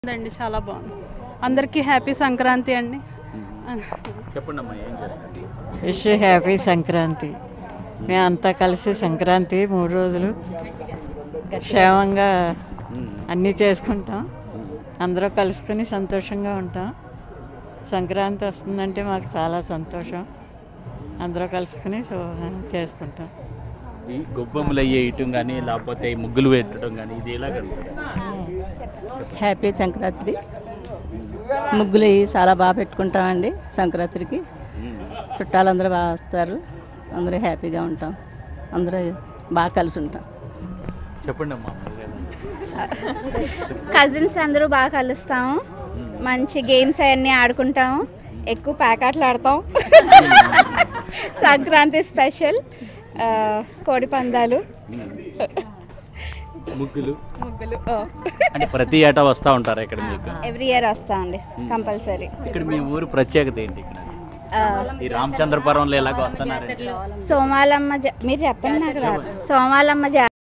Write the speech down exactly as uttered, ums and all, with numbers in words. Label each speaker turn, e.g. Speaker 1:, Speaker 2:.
Speaker 1: అండి చాలా బాగుంది. అందరికీ హ్యాపీ సంక్రాంతి అండి.
Speaker 2: చెప్పండమ్మా ఏం చేస్తుంది?
Speaker 3: Wish happy Sankranti. మేమంతా కలిసి సంక్రాంతి మూడు రోజులు క్షేమంగా అన్నీ చేసుకుంటాం. అందరూ కలుసుకొని సంతోషంగా ఉంటాం. సంక్రాంతి వస్తుందంటే మాకు చాలా సంతోషం. అందరూ కలుసుకొని చేసుకుంటాం.
Speaker 2: ఈ గొబ్బెమ్మలు అయ్యేయటం కానీ లేకపోతే ఈ ముగ్గులు పెట్టడం కానీ ఇది ఎలా కలుగుతుంది?
Speaker 4: హ్యాపీ సంక్రాంతి. ముగ్గులు అవి చాలా బాగా పెట్టుకుంటామండి. సంక్రాంతికి చుట్టాలందరూ బాగా వస్తారు. అందరూ హ్యాపీగా ఉంటాం. అందరూ బాగా కలిసి ఉంటాం.
Speaker 2: చెప్పండి అమ్మా.
Speaker 5: కజిన్స్ అందరూ బాగా కలుస్తాము. మంచి గేమ్స్ అవన్నీ ఆడుకుంటాము. ఎక్కువ ప్యాకెట్లు ఆడతాం. సంక్రాంతి స్పెషల్ కోడి పందాలు,
Speaker 2: ముగ్గులు
Speaker 5: ముగ్గులు
Speaker 2: అంటే ప్రతి ఏటా వస్తూ ఉంటారు ఇక్కడ మీకు?
Speaker 5: ఎవ్రీ ఇయర్ వస్తామండి కంపల్సరీ.
Speaker 2: ఇక్కడ మీ ఊరు ప్రత్యేకత ఏంటి? ఇక్కడ ఈ రామచంద్రపురంలో ఎలాగ వస్తున్నారండి?
Speaker 5: సోమాలమ్మ జా మీరు చెప్పండి నాకు రాదు. సోమాలమ్మ జా